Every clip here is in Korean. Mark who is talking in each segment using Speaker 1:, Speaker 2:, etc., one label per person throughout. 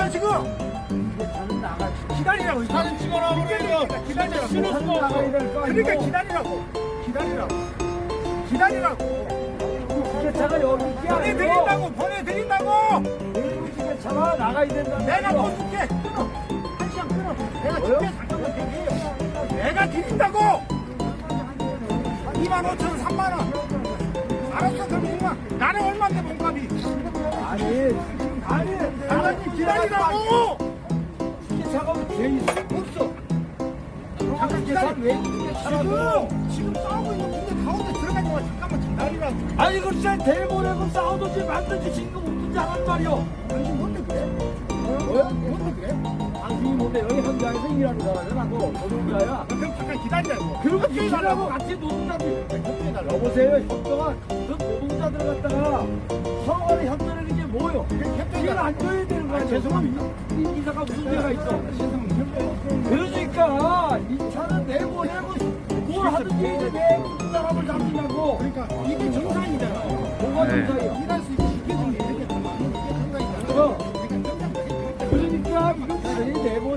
Speaker 1: 기다려 지금. 기다리라고.
Speaker 2: 사진 찍어라 그러니까
Speaker 1: 기다리라고.
Speaker 2: 신을 수가 없어.
Speaker 1: 그러니까 기다리라고. 기다리라고.
Speaker 3: 기계차가 여기 있지 않아요?
Speaker 1: 보내드린다고. 보내드린다고.
Speaker 3: 일부 기계차가 나가야 된다.
Speaker 1: 내가 돈 줄게. 끊어. 한 시간 끊어. 내가 줄게. 잠깐만 대기. 내가 드린다고. 25,000원, 3만원. 알았어, 그럼 6만. 나는 얼마인데 몸값이? 아니, 기다리라고.
Speaker 3: 기계차가 왜 있어?
Speaker 1: 없어.
Speaker 3: 잠깐 기계차 왜 기계차라고?
Speaker 1: 지금 싸우고 있는데 가운데 들어가는 거야. 잠깐만 기다리라고.
Speaker 3: 아니 글쎄 대보내고 싸우든지 말든지 지금 웃든지 하란 말이오.
Speaker 1: 당신 뭔데 그래? 뭔데 그래?
Speaker 3: 당신이 뭔데 여기 현장에서 일하는 사람이야 나도 노동자야.
Speaker 1: 그럼 잠깐 기다리라고.
Speaker 3: 그리고 기계라고 같이 노동자들 여보세요 협조가 그 노동자들 갖다가 서로 간에 협조라는 게 뭐요? 협조를 안 줘야 되는 거야. 죄송합니다. 이 기사가 무슨 죄가 있어? 그러니까 이 차는 내보내고 뭘 하든지 이제 내 사람을 잡느냐고.
Speaker 1: 그러니까 이게 정상이잖아.
Speaker 3: 뭐가 정상이야?
Speaker 1: 일할 수 있게 시켜주는 게 이렇게 정상이잖아.
Speaker 3: 그러니까 이건 당연히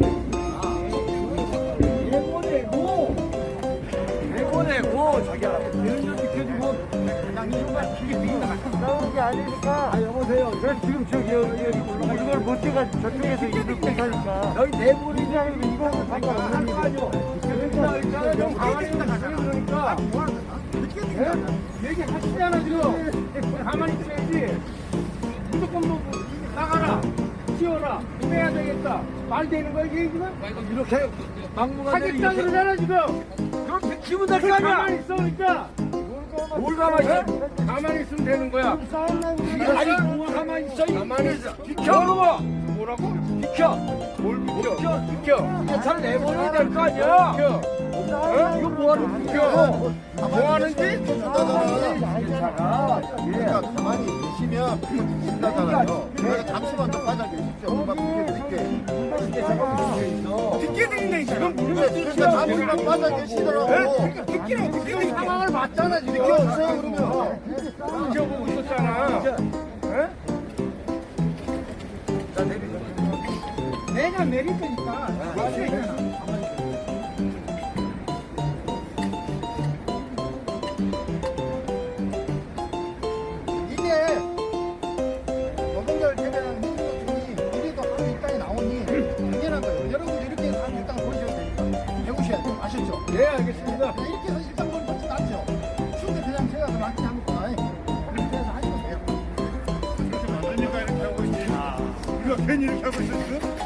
Speaker 3: 내보내고 자기야 이런 점 지켜주고
Speaker 1: 그냥 이런 길게 들이다가
Speaker 3: 싸우는 게 아니니까. 아 여보세요. 저 지금 저기 여기 이걸 못 찍어 저쪽에서 일을 못하니까 여기 내보내자면 이거는 상관없는 거 아니오. 그러니까 일단은 좀 가만히 있다 그러니까 얘기하시잖아 지금. 가만히 있어야지. 무조건 뭐 나가라 튀어라 해야 되겠다 말 되는 거야 이게 지금? 이렇게 막무가 되겠다 그러잖아 지금. 그럼 기분 나쁘게 아니야. 가만히 있어 그러니까. 뭘 가만히 있어? 가만히 있으면 되는 거야. 아니 뭐가 가만히 있어? 가만히 있어. 비켜 그러고. 뭐라고? 비켜. 뭘 비켜? 비켜. 차를 내보내야 될 거 아니야. 비켜. 이거 뭐하는 비켜? 뭐하는지?
Speaker 4: 그러니까 가만히 계시면 비켜드린다잖아요. 그러니까 잠시만 더 빠져 계십시오. 금방 비켜드릴게.
Speaker 1: 듣게 들린다 지금.
Speaker 4: 그러니까 잠시만 빠져 계시더라고.
Speaker 1: 그러니까 듣기는
Speaker 4: 상황을 봤잖아 지금. 비켜주세요 그러면.
Speaker 1: 지켜보고 있었잖아. 내가 내릴 테니까.
Speaker 4: 이게 노동자를 대변하는 민주노총이 이래도 하루 일당이 나오니 당연한 거예요. 여러분들 이렇게 해서 하루 일당 보셔야 되니까 배우셔야 돼요. 아셨죠?
Speaker 3: 네 알겠습니다.
Speaker 4: 그냥 이렇게 해서 일당 보는 것도 낫죠. 추운데 그냥 제가 더 낫지 않을까. 이렇게 해서 하시면 돼요.
Speaker 1: 이렇게 많으니까 이렇게 하고 있지. 이거 괜히 이렇게 하고 있어 지금?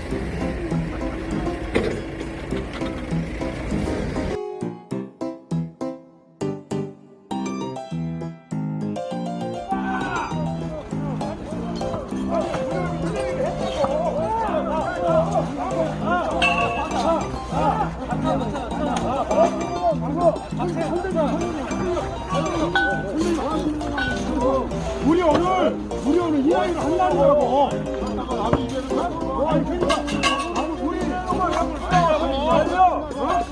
Speaker 2: 우리 오늘 이 아이를 한다는 거라고. 아니 그러니까 우리 정말 한번 싸우자고.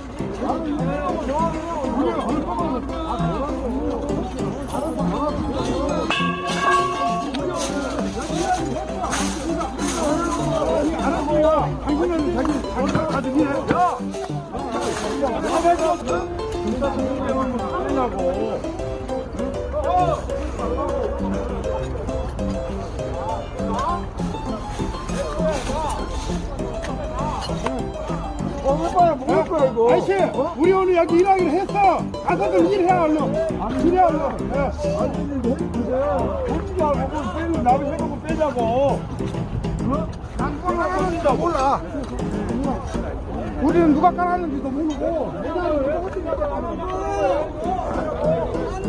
Speaker 2: 우리가 할 거면 알았어요. 당신은 자기 가진 일해. 야, 가만히 진짜 좀 하냐고. 오빠야 먹을 거야 이거. 아저씨, 우리 오늘 여기 일하기로 했어. 가서들 일해 얼른. 일해 얼른. 돈도 안 먹고 빼는 나비 해놓고 빼자고. 난 깔아놨는다 몰라. 우리는 누가 깔았는지도 모르고.